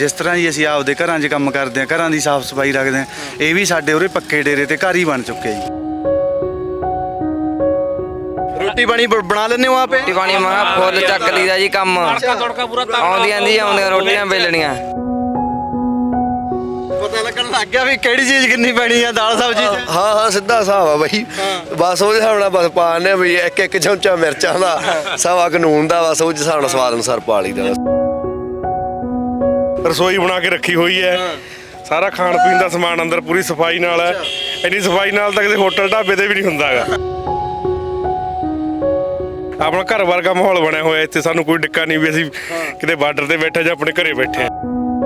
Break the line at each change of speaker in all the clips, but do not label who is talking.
जिस तरह ही ਅਸੀਂ ਆਪਦੇ ਘਰਾਂ 'ਚ ਕੰਮ ਕਰਦੇ ਹਾਂ, ਘਰਾਂ ਦੀ ਸਾਫ਼ ਸਫਾਈ ਰੱਖਦੇ ਹਾਂ, ਇਹ ਵੀ ਸਾਡੇ ਉਰੇ ਪੱਕੇ ਡੇਰੇ ਤੇ ਘਰ ਹੀ ਬਣ ਚੁੱਕੇ ਜੀ।
ਰੋਟੀ ਪਾਣੀ ਬਣਾ ਲੈਂਦੇ ਹੋ ਆਪੇ?
ਰੋਟੀ ਪਾਣੀ ਮੈਂ ਫੁੱਲ ਚੱਕ ਲਈਦਾ ਜੀ ਕੰਮ। ਆਉਂਦੀਆਂ ਰੋਟੀਆਂ ਵੇਲਣੀਆਂ।
ਪਤਾ ਲੱਗਣ ਲੱਗ ਗਿਆ ਵੀ ਕਿਹੜੀ ਚੀਜ਼ ਕਿੰਨੀ ਪੈਣੀ ਆ ਦਾਲ ਸਬਜ਼ੀ 'ਚ?
ਹਾਂ ਸਿੱਧਾ ਹਿਸਾਬ ਆ ਬਾਈ। ਬਸ ਉਹਦੇ ਹਿਸਾਬ ਨਾਲ ਬਸ ਪਾ ਦਿੰਦੇ ਵੀ ਇੱਕ ਚਮਚਾ ਮਿਰਚਾਂ ਦਾ, ਸਵਾ ਕਾਨੂੰਨ ਦਾ, ਬਸ ਉਹ ਹਿਸਾਬ ਨਾਲ ਸਵਾਦ ਅਨੁਸਾਰ ਪਾ ਲਈਦਾ।
ਰਸੋਈ ਬਣਾ ਕੇ ਰੱਖੀ ਹੋਈ ਹੈ, ਸਾਰਾ ਖਾਣ ਪੀਣ ਦਾ ਸਮਾਨ ਅੰਦਰ ਪੂਰੀ ਸਫਾਈ ਨਾਲ ਹੈ। ਇੰਨੀ ਸਫਾਈ ਨਾਲ ਤਾਂ ਕਿਸੇ ਹੋਟਲ ਢਾਬੇ ਤੇ ਵੀ ਨਹੀਂ ਹੁੰਦਾ ਹੈਗਾ। ਆਪਣਾ ਘਰ ਵਰਗਾ ਮਾਹੌਲ ਬਣਿਆ ਹੋਇਆ ਇੱਥੇ, ਸਾਨੂੰ ਕੋਈ ਡਿੱਕਾ ਨਹੀਂ ਵੀ ਅਸੀਂ ਕਿਤੇ ਬਾਰਡਰ ਤੇ ਬੈਠੇ ਜਾਂ ਆਪਣੇ ਘਰੇ ਬੈਠੇ ਹਾਂ।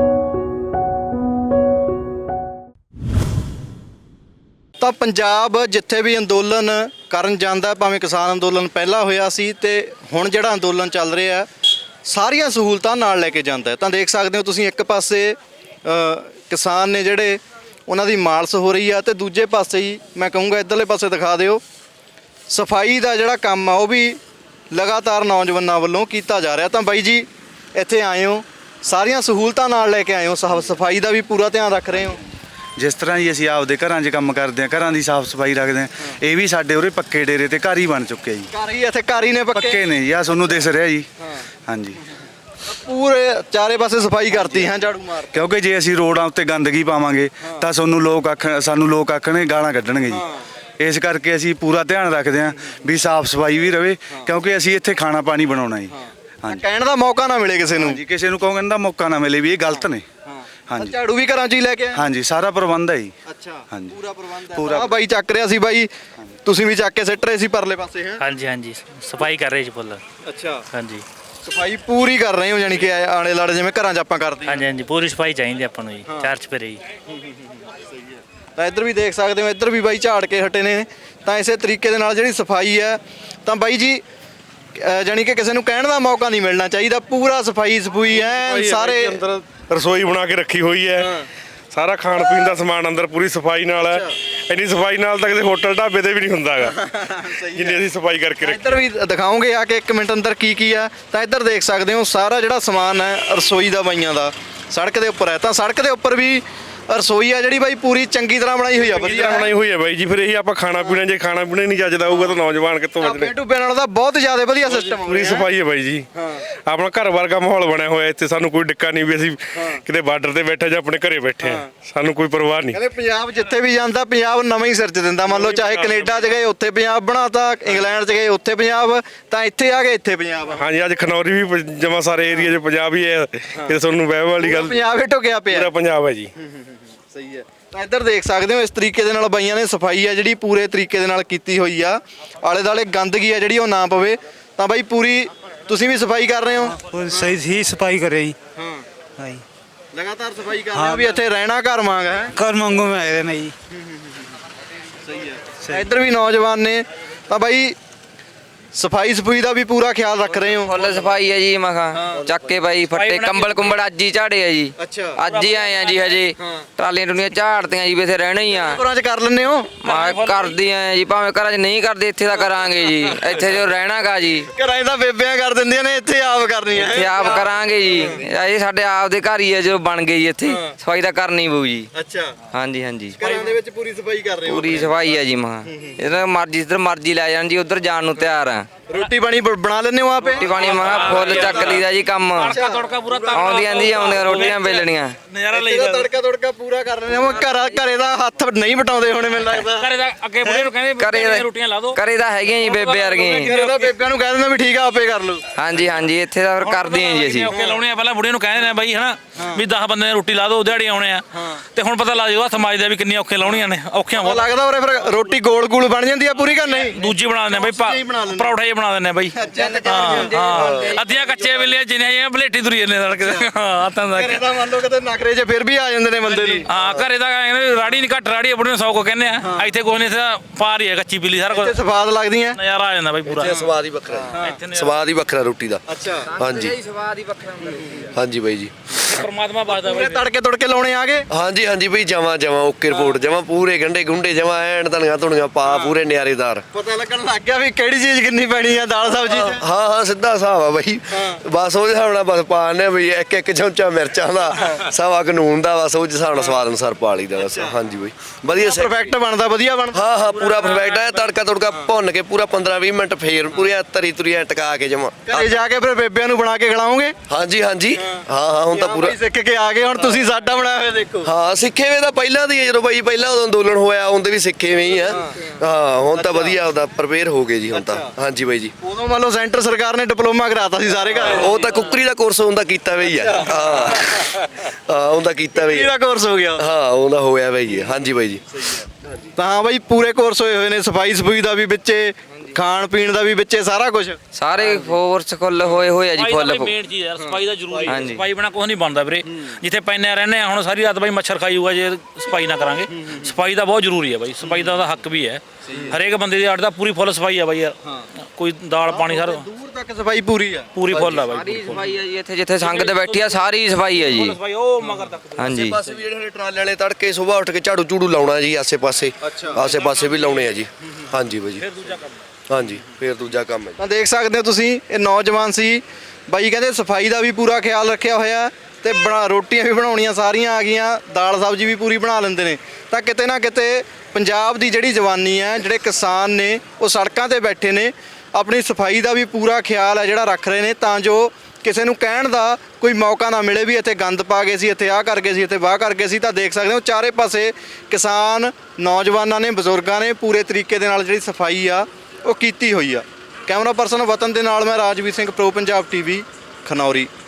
ਤਾਂ ਪੰਜਾਬ ਜਿੱਥੇ ਵੀ ਅੰਦੋਲਨ ਕਰਨ ਜਾਂਦਾ, ਭਾਵੇਂ ਕਿਸਾਨ ਅੰਦੋਲਨ ਪਹਿਲਾਂ ਹੋਇਆ ਸੀ ਤੇ ਹੁਣ ਜਿਹੜਾ ਅੰਦੋਲਨ ਚੱਲ ਰਿਹਾ ਸਾਰੀਆਂ ਸਹੂਲਤਾਂ ਨਾਲ ਲੈ ਕੇ ਜਾਂਦਾ। ਤਾਂ ਦੇਖ ਸਕਦੇ ਹੋ ਤੁਸੀਂ, ਇੱਕ ਪਾਸੇ ਕਿਸਾਨ ਨੇ ਜਿਹੜੇ ਉਹਨਾਂ ਦੀ ਮਾਲਸ਼ ਹੋ ਰਹੀ ਆ, ਤੇ ਦੂਜੇ ਪਾਸੇ ਹੀ ਮੈਂ ਕਹੂੰਗਾ ਇੱਧਰਲੇ ਪਾਸੇ ਦਿਖਾ ਦਿਓ, ਸਫਾਈ ਦਾ ਜਿਹੜਾ ਕੰਮ ਆ ਉਹ ਵੀ ਲਗਾਤਾਰ ਨੌਜਵਾਨਾਂ ਵੱਲੋਂ ਕੀਤਾ ਜਾ ਰਿਹਾ। ਤਾਂ ਬਾਈ ਜੀ ਇੱਥੇ ਆਏ ਹੋ, ਸਾਰੀਆਂ ਸਹੂਲਤਾਂ ਨਾਲ ਲੈ ਕੇ ਆਏ ਹੋ, ਸਫਾਈ ਦਾ ਵੀ ਪੂਰਾ ਧਿਆਨ ਰੱਖ ਰਹੇ ਹੋ?
ਜਿਸ ਤਰ੍ਹਾਂ ਹੀ ਅਸੀਂ ਆਪਦੇ ਘਰਾਂ 'ਚ ਕੰਮ ਕਰਦੇ ਹਾਂ, ਘਰਾਂ ਦੀ ਸਾਫ਼ ਸਫਾਈ ਰੱਖਦੇ ਹਾਂ, ਇਹ ਵੀ ਸਾਡੇ ਉਰੇ ਪੱਕੇ ਡੇਰੇ ਤੇ ਘਰ ਹੀ ਬਣ ਚੁੱਕੇ ਜੀ।
ਘਰ ਹੀ ਇੱਥੇ ਘਰ ਹੀ ਨੇ
ਪੱਕੇ ਨੇ ਜੀ, ਆ ਤੁਹਾਨੂੰ ਦਿਸ ਰਿਹਾ ਜੀ। ਹਾਂਜੀ,
ਪੂਰੇ ਚਾਰੇ ਪਾਸੇ ਸਫਾਈ ਕਰਤੀ ਹੈ ਝਾੜੂ ਮਾਰ।
ਕਿਉਂਕਿ ਜੇ ਅਸੀਂ ਰੋਡਾਂ ਉੱਤੇ ਗੰਦਗੀ ਪਾਵਾਂਗੇ ਤਾਂ ਸਾਨੂੰ ਲੋਕ ਆਖਣਗੇ, ਗਾਲਾਂ ਕੱਢਣਗੇ ਜੀ। ਇਸ ਕਰਕੇ ਅਸੀਂ ਪੂਰਾ ਧਿਆਨ ਰੱਖਦੇ ਹਾਂ ਵੀ ਸਾਫ਼ ਸਫਾਈ ਵੀ ਰਵੇ, ਕਿਉਂਕਿ ਅਸੀਂ ਇੱਥੇ ਖਾਣਾ ਪਾਣੀ ਬਣਾਉਣਾ ਜੀ। ਹਾਂਜੀ,
ਕਹਿਣ ਦਾ ਮੌਕਾ ਨਾ ਮਿਲੇ ਕਿਸੇ ਨੂੰ।
ਜੀ ਕਿਸੇ ਨੂੰ ਕਹਿਣ ਦਾ ਮੌਕਾ ਨਾ ਮਿਲੇ ਵੀ ਇਹ ਗਲਤ ਨੇ। ਹਾਂਜੀ,
ਝਾੜੂ ਵੀ ਘਰਾਂ 'ਚ ਹੀ ਲੈ ਕੇ ਆਏ?
ਹਾਂਜੀ, ਸਾਰਾ ਪ੍ਰਬੰਧ ਹੈ ਜੀ।
ਅੱਛਾ,
ਹਾਂਜੀ,
ਪੂਰਾ ਪ੍ਰਬੰਧ ਹੈ।
ਪੂਰਾ।
ਆ ਬਾਈ ਚੱਕ ਰਿਹਾ ਸੀ ਬਾਈ, ਤੁਸੀਂ ਵੀ ਚੱਕ ਕੇ ਸਿੱਟ ਰਹੇ ਸੀ ਪਰਲੇ ਪਾਸੇ ਹੈ?
ਹਾਂਜੀ ਹਾਂਜੀ, ਸਫਾਈ ਕਰ ਰਹੇ ਜੀ ਫੁੱਲ।
ਅੱਛਾ,
ਹਾਂਜੀ
ਸਫਾਈ ਪੂਰੀ ਕਰ ਰਹੇ ਹੋ, ਯਾਨੀ ਕਿ ਆਲੇ ਲਾੜੇ ਜਿਵੇਂ ਘਰਾਂ 'ਚ ਆਪਾਂ ਕਰਦੇ ਹਾਂ।
ਹਾਂਜੀ ਹਾਂਜੀ, ਪੂਰੀ ਸਫਾਈ ਚਾਹੀਦੀ ਆਪਾਂ ਨੂੰ ਜੀ, ਚਾਰ ਚੁਫੇਰੇ ਜੀ।
ਤਾਂ ਇੱਧਰ ਵੀ ਦੇਖ ਸਕਦੇ ਹੋ, ਇੱਧਰ ਵੀ ਬਾਈ ਝਾੜ ਕੇ ਹਟੇ ਨੇ। ਤਾਂ ਇਸੇ ਤਰੀਕੇ ਦੇ ਨਾਲ ਜਿਹੜੀ ਸਫਾਈ ਹੈ, ਤਾਂ ਬਾਈ ਜੀ ਯਾਨੀ ਕਿ ਕਿਸੇ ਨੂੰ ਕਹਿਣ ਦਾ ਮੌਕਾ ਨਹੀਂ ਮਿਲਣਾ ਚਾਹੀਦਾ, ਪੂਰਾ ਸਫਾਈ ਹੈ ਸਾਰੇ।
ਅੰਦਰ ਰਸੋਈ ਬਣਾ ਕੇ ਰੱਖੀ ਹੋਈ ਹੈ, ਸਾਰਾ ਖਾਣ ਪੀਣ ਦਾ ਸਮਾਨ ਅੰਦਰ ਪੂਰੀ ਸਫਾਈ ਨਾਲ ਹੈ। ਇੰਨੀ ਸਫਾਈ ਨਾਲ ਤਾਂ ਕਿਸੇ ਹੋਟਲ ਢਾਬੇ ਤੇ ਵੀ ਨਹੀਂ ਹੁੰਦਾ ਹੈਗਾ ਜਿੰਨੀ ਅਸੀਂ ਸਫਾਈ ਕਰਕੇ ਰੱਖੀ।
ਇੱਧਰ ਵੀ ਦਿਖਾਓਗੇ ਆ ਕੇ 1 ਮਿੰਟ ਅੰਦਰ ਕੀ ਆ। ਤਾਂ ਇੱਧਰ ਦੇਖ ਸਕਦੇ ਹੋ ਸਾਰਾ ਜਿਹੜਾ ਸਮਾਨ ਹੈ ਰਸੋਈ ਦਾ ਬਾਈਆਂ ਦਾ ਸੜਕ ਦੇ ਉੱਪਰ ਹੈ। ਤਾਂ ਸੜਕ ਦੇ ਉੱਪਰ ਵੀ ਰਸੋਈ ਆ ਜਿਹੜੀ ਬਾਈ ਪੂਰੀ ਚੰਗੀ ਤਰ੍ਹਾਂ ਬਣਾਈ ਹੋਈ ਆ, ਵਧੀਆ
ਬਣਾਈ ਹੋਈ ਹੈ ਬਾਈ ਜੀ। ਫਿਰ ਇਹੀ ਆਪਾਂ ਖਾਣਾ ਪੀਣਾ, ਜੇ ਖਾਣਾ ਪੀਣਾ ਨਹੀਂ ਚੱਜਦਾ ਹੋਊਗਾ ਤਾਂ ਨੌਜਵਾਨ ਕਿੱਥੋਂ ਬਚਣੇ।
ਟੂਬੇ ਨਾਲ ਦਾ ਬਹੁਤ ਜ਼ਿਆਦਾ ਵਧੀਆ ਸਿਸਟਮ,
ਪੂਰੀ ਸਫਾਈ ਹੈ ਬਾਈ ਜੀ। ਆਪਣਾ ਘਰ ਵਰਗਾ ਮਾਹੌਲ ਬਣਿਆ ਹੋਇਆ ਇੱਥੇ, ਸਾਨੂੰ ਕੋਈ ਡਿੱਕਾ ਨਹੀਂ ਵੀ ਅਸੀਂ ਕਿਤੇ ਬਾਰਡਰ ਤੇ ਬੈਠੇ ਜਾਂ ਆਪਣੇ ਘਰੇ ਬੈਠੇ ਹਾਂ, ਸਾਨੂੰ ਕੋਈ ਪਰਵਾਹ ਨਹੀਂ।
ਕਹਿੰਦੇ ਪੰਜਾਬ ਜਿੱਥੇ ਵੀ ਜਾਂਦਾ, ਪੰਜਾਬ ਨਵਾਂ ਹੀ ਸਿਰਜ ਦਿੰਦਾ। ਮੰਨ ਲਓ ਚਾਹੇ ਕੈਨੇਡਾ 'ਚ ਗਏ ਉੱਥੇ ਪੰਜਾਬ ਬਣਾਤਾ, ਇੰਗਲੈਂਡ 'ਚ ਗਏ ਉੱਥੇ ਪੰਜਾਬ, ਤਾਂ ਇੱਥੇ ਆ ਗਏ ਇੱਥੇ ਪੰਜਾਬ।
ਹਾਂਜੀ, ਅੱਜ ਖਨੌਰੀ ਵੀ ਜਮਾ ਸਾਰੇ ਏਰੀਆ 'ਚ ਪੰਜਾਬ ਹੀ ਹੈ। ਇਹ ਤੁਹਾਨੂੰ ਵਹਿਮ ਵਾਲੀ ਗੱਲ,
ਪੰਜਾਬ ਹੀ ਢੁਕਿਆ ਪਿਆ,
ਪੂਰਾ ਪੰਜਾਬ ਹੈ ਜੀ।
ਸਹੀ ਹੈ। ਤਾਂ ਇੱਧਰ ਦੇਖ ਸਕਦੇ ਹੋ, ਇਸ ਤਰੀਕੇ ਦੇ ਨਾਲ ਬਾਈਆਂ ਨੇ ਸਫਾਈ ਆ ਜਿਹੜੀ ਪੂਰੇ ਤਰੀਕੇ ਦੇ ਨਾਲ ਕੀਤੀ ਹੋਈ ਆ। ਆਲੇ ਦੁਆਲੇ ਗੰਦਗੀ ਆ ਜਿਹੜੀ ਉਹ ਨਾ ਪਵੇ। ਤਾਂ ਬਾਈ ਪੂਰੀ ਤੁਸੀਂ ਵੀ ਸਫਾਈ ਕਰ ਰਹੇ ਹੋ?
ਸਹੀ ਹੀ ਸਫਾਈ ਕਰ ਰਹੀ। ਹਾਂ ਜੀ,
ਲਗਾਤਾਰ ਸਫਾਈ ਕਰ ਰਹੇ ਹੋ ਵੀ ਇੱਥੇ ਰਹਿਣਾ ਘਰ ਮੰਗ ਹੈ।
ਘਰ ਮੰਗੋ ਮੈਂ ਆਏ ਨੇ ਜੀ।
ਸਹੀ ਹੈ। ਇੱਧਰ ਵੀ ਨੌਜਵਾਨ ਨੇ। ਤਾਂ ਬਾਈ ਸਫਾਈ ਦਾ ਵੀ ਪੂਰਾ ਖਿਆਲ ਰੱਖ ਰਹੇ ਹੋ?
ਫੁੱਲ ਸਫਾਈ ਹੈ ਜੀ। ਮਖਾ ਚੱਕ ਕੇ ਬਾਈ ਫੱਟੇ ਕੰਬਲ ਕੁੰਬਲ ਅੱਜ ਹੀ ਝਾੜੇ ਆ ਜੀ।
ਅੱਛਾ,
ਅੱਜ ਹੀ ਆਏ ਆ ਜੀ। ਹਜੇ ਟਰਾਲੀਆਂ ਟੁਲੀਆਂ ਝਾੜਤੀਆਂ ਜੀ, ਵੀ ਇੱਥੇ ਰਹਿਣਾ ਹੀ ਆ।
ਘਰਾਂ 'ਚ ਕਰ ਲੈਂਦੇ ਹੋ?
ਮੈਂ ਕਰਦੀ ਆ ਜੀ, ਭਾਵੇਂ ਘਰਾਂ 'ਚ ਨਹੀਂ ਕਰਦੇ ਇੱਥੇ ਤਾਂ ਕਰਾਂਗੇ ਜੀ। ਇੱਥੇ ਜੋ ਰਹਿਣਾਗਾ ਜੀ,
ਘਰਾਂ 'ਚ ਤਾਂ ਬੇਬਿਆਂ ਕਰ ਦਿੰਦੀਆਂ ਨੇ, ਇੱਥੇ ਆਪ ਕਰਨੀ ਹੈ।
ਇੱਥੇ ਆਪ ਕਰਾਂਗੇ ਜੀ। ਇਹ ਸਾਡੇ ਆਪ ਦੇ ਘਰ ਹੀ ਹੈ ਜੋ ਬਣ ਗਏ ਜੀ। ਇੱਥੇ ਸਫਾਈ ਤਾਂ ਕਰਨੀ ਪਊ ਜੀ।
ਅੱਛਾ,
ਹਾਂਜੀ ਹਾਂਜੀ,
ਘਰਾਂ ਦੇ ਵਿੱਚ ਪੂਰੀ ਸਫਾਈ ਕਰ ਰਹੇ ਹੋ?
ਪੂਰੀ ਸਫਾਈ ਹੈ ਜੀ। ਮਖਾ ਇਹਦਾ ਮਰਜ਼ੀ ਜਿੱਧਰ ਮਰਜ਼ੀ ਲੈ ਜਾਣ ਜੀ, ਉੱਧਰ ਜਾਣ ਨੂੰ ਤਿਆਰ ਆ।
ਰੋਟੀ ਪਾਣੀ ਬਣਾ ਲੈਂਦੇ ਹੋ ਆਪੇ?
ਰੋਟੀ ਪਾਣੀ ਮੈਂ ਫੁੱਲ ਚੱਕ ਲਈਦਾ ਜੀ ਕੰਮ। ਆਉਂਦੀਆਂ ਰੋਟੀਆਂ ਵੇਲਣੀਆਂ।
ਨਜ਼ਾਰਾ
ਇਹਦਾ ਤੜਕਾ ਪੂਰਾ ਕਰ ਲੈਂਦੇ ਹੋ। ਘਰੇ ਦਾ ਹੱਥ ਨਹੀਂ ਵਟਾਉਂਦੇ ਹੋਣੇ ਮੈਨੂੰ ਲੱਗਦਾ।
ਘਰੇ ਦਾ ਅੱਗੇ ਬੁੜੇ ਨੂੰ ਕਹਿੰਦੇ ਰੋਟੀਆਂ ਲਾ ਦੋ।
ਘਰੇ ਤਾਂ ਹੈਗੀਆਂ ਜੀ ਬੇਬੇ ਵਰਗੀਆਂ।
ਘਰੇ ਦਾ ਬੇਬਿਆਂ ਨੂੰ ਕਹਿ ਦਿੰਦਾ ਵੀ ਠੀਕ ਆ ਆਪੇ ਕਰ ਲਓ।
ਹਾਂਜੀ ਹਾਂਜੀ, ਇੱਥੇ ਤਾਂ ਫਿਰ ਕਰਦੇ ਆਂ ਜੀ ਅਸੀਂ।
ਔਖੇ ਲਾਉਣੇ ਆ, ਪਹਿਲਾਂ ਬੁੜੇ ਨੂੰ ਕਹਿੰਦੇ ਨੇ ਬਾਈ ਹਨਾ ਵੀ 10 ਬੰਦੇ ਨੇ ਰੋਟੀ ਲਾ ਦੋ, ਦਿਹਾੜੀ ਆਉਣੇ ਆ। ਤੇ ਹੁਣ ਪਤਾ ਲੱਗ ਜਾਊਗਾ ਸਮਾਜ ਦਾ ਵੀ ਕਿੰਨੀਆਂ ਔਖੇ ਲਾਉਣੀਆਂ ਨੇ। ਔਖੀਆਂ ਬਹੁਤ
ਲੱਗਦਾ ਉਰੇ ਫਿਰ ਰੋਟੀ ਗੋਲ ਗੋਲ ਬਣ ਜਾਂਦੀ ਆ ਪੂਰੀ ਕਿ ਨਹੀਂ?
ਦੂਜੀ ਬਣਾ ਦਿੰਦੇ ਬਾਈ, ਪਰੌਠਾ ਹੀ ਬਣਾ ਦਿੰਦੇ ਬਾਈ। ਹਾਂ, ਅੱਧੀਆਂ ਕੱਚੇ ਵੇਲੇ ਜਿੰਨੇ ਬਲੇਟੀ ਤੁਰੀ ਜਾਂਦੇ ਸੜਕ ਤੇ। ਹਾਂ, ਤਾਂ
ਘਰੇ ਦਾ ਮੰਨ ਲਓ ਕਿਤੇ ਨਖਰੇ 'ਚ ਫਿਰ ਵੀ ਆ ਜਾਂਦੇ ਨੇ ਬੰਦੇ ਨੂੰ।
ਹਾਂ, ਘਰੇ ਦਾ ਰਾੜੀ ਨਹੀਂ ਘੱਟ ਰਾੜੀ ਬੁੜੇ ਨੂੰ 100 ਕੋ ਕਹਿੰਦੇ ਆ। ਇੱਥੇ ਕੋਈ ਨਹੀਂ, ਪਾਰ ਹੀ ਹੈ ਕੱਚੀ ਪੀਲੀ ਸਾਰਾ ਕੁਝ।
ਸਵਾਦ ਲੱਗਦੀਆਂ,
ਨਜ਼ਾਰਾ ਆ ਜਾਂਦਾ ਬਾਈ ਪੂਰਾ।
ਸਵਾਦ ਹੀ ਵੱਖਰਾ, ਸਵਾਦ ਹੀ ਵੱਖਰਾ ਰੋਟੀ ਦਾ।
ਅੱਛਾ,
ਹਾਂਜੀ
ਸਵਾਦ ਹੀ ਵੱਖਰਾ ਹੁੰਦਾ।
ਹਾਂਜੀ ਬਾਈ ਜੀ।
ਪਰਮਾਤਮਾ ਬਾਦਾ
ਪੂਰੇ
ਬਾਈ
ਤੜਕੇ ਤੁੜਕੇ ਲਾਉਣੇ ਆ ਗਏ।
ਹਾਂਜੀ ਹਾਂਜੀ ਬਈ ਜਮਾ ਜਮਾ ਓਕੇ ਰਿਪੋਰਟ ਜਮਾ ਪੂਰੇ ਗੰਡੇ ਗੁੰਡੇ ਜਮਾ ਐਨ ਧਨੀਆਂ ਧੁਣੀਆਂ ਪਾ ਪੂਰੇ ਨਿਆਰੇਦਾਰ।
ਪਤਾ ਲੱਗਣ ਲੱਗ ਗਿਆ ਵੀ ਕਿਹੜੀ ਚੀਜ਼ ਕਿੰਨੀ ਪੈਣੀ ਆ ਦਾਲ ਸਬਜ਼ੀ 'ਚ।
ਹਾਂ ਹਾਂ ਸਿੱਧਾ ਹਿਸਾਬ ਆ ਬਈ ਬਸ ਉਹਦੇ ਹਿਸਾਬ ਨਾਲ ਬਸ ਪਾ ਦਿੰਦੇ ਆ ਬਈ ਇੱਕ ਇੱਕ ਚਮਚਾ ਮਿਰਚਾਂ ਦਾ ਸਵਾ ਕਾਨੂੰਨ ਦਾ ਬਸ ਉਹ ਹਿਸਾਬ ਨਾਲ ਸਵਾਦ ਅਨੁਸਾਰ ਪਾ ਲਈਦਾ ਬਸ। ਹਾਂਜੀ ਬਈ ਵਧੀਆ
ਪਰਫੈਕਟ ਬਣਦਾ, ਵਧੀਆ ਬਣਦਾ।
ਹਾਂ ਹਾਂ ਪੂਰਾ ਪਰਫੈਕਟ ਹੈ। ਤੜਕਾ ਤੁੜਕਾ ਭੁੰਨ ਕੇ ਪੂਰਾ 15-20 ਮਿੰਟ ਫੇਰ ਪੂਰੀਆਂ ਤਰੀ ਤੁਰੀਆਂ ਟਕਾ ਕੇ ਜਮਾ
ਘਰੇ ਜਾ ਕੇ ਫਿਰ ਬੇਬਿਆਂ ਨੂੰ ਬਣਾ ਕੇ ਖਿਲਾਓਗੇ।
ਹਾਂਜੀ ਹਾਂਜੀ ਹਾਂ ਹਾਂ ਹੁਣ ਤਾਂ ਪੂਰਾ
ਸਿੱਖ ਕੇ ਆ ਗਏ, ਹੁਣ ਤੁਸੀਂ ਸਾਡਾ ਬਣਾਇਆ ਹੋਇਆ ਦੇਖੋ।
ਹਾਂ ਸਿੱਖੇ ਵੇ ਤਾਂ ਪਹਿਲਾਂ ਦੀ ਹੈ, ਜਦੋਂ ਬਾਈ ਪਹਿਲਾਂ ਉਦੋਂ ਅੰਦੋਲਨ ਹੋਇਆ ਉਹਦੇ ਵੀ ਸਿੱਖੇ ਵੇ ਹੀ ਆ। ਹਾਂ ਹੁਣ ਤਾਂ ਵਧੀਆ ਉਹਦਾ ਪ੍ਰਪੇਅਰ ਹੋ ਗਏ ਜੀ ਹੁਣ ਤਾਂ। ਹਾਂਜੀ ਬਾਈ ਜੀ
ਉਦੋਂ ਮੰਨ ਲਓ ਸੈਂਟਰ ਸਰਕਾਰ ਨੇ ਡਿਪਲੋਮਾ ਕਰਾਤਾ ਸੀ ਸਾਰੇ ਘਰ।
ਉਹ ਤਾਂ ਕੁੱਕਰੀ ਦਾ ਕੋਰਸ ਹੁੰਦਾ ਕੀਤਾ ਵੇ ਹੀ ਆ। ਹਾਂ ਹਾਂ ਉਹਦਾ ਕੀਤਾ ਵੇ ਹੀ ਆ।
ਕਿਹੜਾ ਕੋਰਸ ਹੋ ਗਿਆ?
ਹਾਂ ਉਹਦਾ ਹੋਇਆ ਵੇ ਹੀ ਆ। ਹਾਂਜੀ ਬਾਈ ਜੀ
ਤਾਂ ਹਾਂ ਬਾਈ ਪੂਰੇ ਕੋਰਸ ਹੋਏ ਹੋਏ ਨੇ, ਸਫਾਈ ਸਫੂਈ ਦਾ ਵੀ ਵਿੱਚੇ, ਖਾਣ ਪੀਣ ਦਾ ਵੀ ਵਿੱਚੇ, ਸਾਰਾ ਕੁਝ।
ਸਾਰੇ ਫੋਰਸ ਫੁੱਲ ਹੋਏ ਹੋਏ ਆ ਜੀ ਫੁੱਲ।
ਮੇਨ ਚੀਜ਼ ਯਾਰ ਸਫਾਈ ਦਾ ਜ਼ਰੂਰੀ ਹੈ।
ਹਾਂਜੀ।
ਸਫਾਈ ਬਿਨਾ ਕੁਝ ਨਹੀਂ ਬਣਦਾ ਵੀਰੇ। ਜਿੱਥੇ ਪੈਨੇ ਰਹਿੰਦੇ ਆ ਹੁਣ ਸਾਰੀ ਰਾਤ ਬਾਈ ਮੱਛਰ ਖਾਈ ਹੋਊਗਾ ਜੇ ਸਫਾਈ ਨਾ ਕਰਾਂਗੇ। ਸਫਾਈ ਦਾ ਬਹੁਤ ਜ਼ਰੂਰੀ ਹੈ ਬਾਈ, ਸਫਾਈ ਦਾ ਉਹਦਾ ਹੱਕ ਵੀ ਹੈ। ਹਰੇਕ ਬੰਦੇ ਦੀ ਅੱਡ ਦਾ ਪੂਰੀ ਫੁੱਲ ਸਫਾਈ ਆ ਬਾਈ ਯਾਰ। ਕੋਈ ਦਾਲ ਪਾਣੀ ਸਾਰਾ
ਦੂਰ ਤੱਕ ਸਫਾਈ ਪੂਰੀ ਆ।
ਪੂਰੀ ਫੁੱਲ ਆ ਬਾਈ।
ਸਾਰੀ ਸਫਾਈ ਆ ਜੀ ਇੱਥੇ ਜਿੱਥੇ ਸੰਗਤ ਬੈਠੀ ਆ ਸਾਰੀ ਸਫਾਈ ਆ ਜੀ।
ਸਫਾਈ ਉਹ ਮਗਰ ਤੱਕ।
ਹਾਂਜੀ
ਪਾਸੇ ਵੀ ਜਿਹੜੇ ਟਰਾਲੇ ਵਾਲੇ ਤੜਕੇ ਸਵੇਰ ਉੱਠ ਕੇ ਝਾੜੂ ਝੂੜੂ ਲਾਉਣਾ ਜੀ ਆਸੇ ਪਾਸੇ। ਆਸੇ ਪਾਸੇ ਵੀ ਲਾਉਣੇ ਆ ਜੀ। ਹਾਂਜੀ ਬਾਈ ਜੀ ਹਾਂਜੀ ਫੇਰ ਦੂਜਾ ਕੰਮ ਹੈ।
ਤਾਂ ਦੇਖ ਸਕਦੇ ਹੋ ਤੁਸੀਂ, ਇਹ ਨੌਜਵਾਨ ਸੀ ਬਾਈ, ਕਹਿੰਦੇ ਸਫਾਈ ਦਾ ਵੀ ਪੂਰਾ ਖਿਆਲ ਰੱਖਿਆ ਹੋਇਆ ਤੇ ਰੋਟੀਆਂ ਵੀ ਬਣਾਉਣੀਆਂ ਸਾਰੀਆਂ ਆ ਗਈਆਂ, ਦਾਲ ਸਬਜ਼ੀ ਵੀ ਪੂਰੀ ਬਣਾ ਲੈਂਦੇ ਨੇ। ਤਾਂ ਕਿਤੇ ਨਾ ਕਿਤੇ ਪੰਜਾਬ ਦੀ ਜਿਹੜੀ ਜਵਾਨੀ ਹੈ, ਜਿਹੜੇ ਕਿਸਾਨ ਨੇ ਉਹ ਸੜਕਾਂ ਤੇ ਬੈਠੇ ਨੇ, ਆਪਣੀ ਸਫਾਈ ਦਾ ਵੀ ਪੂਰਾ ਖਿਆਲ ਹੈ ਜਿਹੜਾ ਰੱਖ ਰਹੇ ਨੇ, ਤਾਂ ਜੋ ਕਿਸੇ ਨੂੰ ਕਹਿਣ ਦਾ ਕੋਈ ਮੌਕਾ ਨਾ ਮਿਲੇ ਵੀ ਇੱਥੇ ਗੰਦ ਪਾ ਗਏ ਸੀ, ਇੱਥੇ ਆਹ ਕਰ ਗਏ ਸੀ, ਇੱਥੇ ਵਾਹ ਕਰ ਗਏ ਸੀ। ਤਾਂ ਦੇਖ ਸਕਦੇ ਹੋ ਚਾਰੇ ਪਾਸੇ ਕਿਸਾਨ, ਨੌਜਵਾਨਾਂ ਨੇ, ਬਜ਼ੁਰਗਾਂ ਨੇ ਪੂਰੇ ਤਰੀਕੇ ਦੇ ਨਾਲ ਜਿਹੜੀ ਸਫਾਈ ਆ ਉਹ ਕੀਤੀ ਹੋਈ ਆ। ਕੈਮਰਾ ਪਰਸਨ ਵਤਨ ਦੇ ਨਾਲ ਮੈਂ ਰਾਜਵੀਰ ਸਿੰਘ, ਪ੍ਰੋ ਪੰਜਾਬ ਟੀਵੀ, ਖਨੌਰੀ।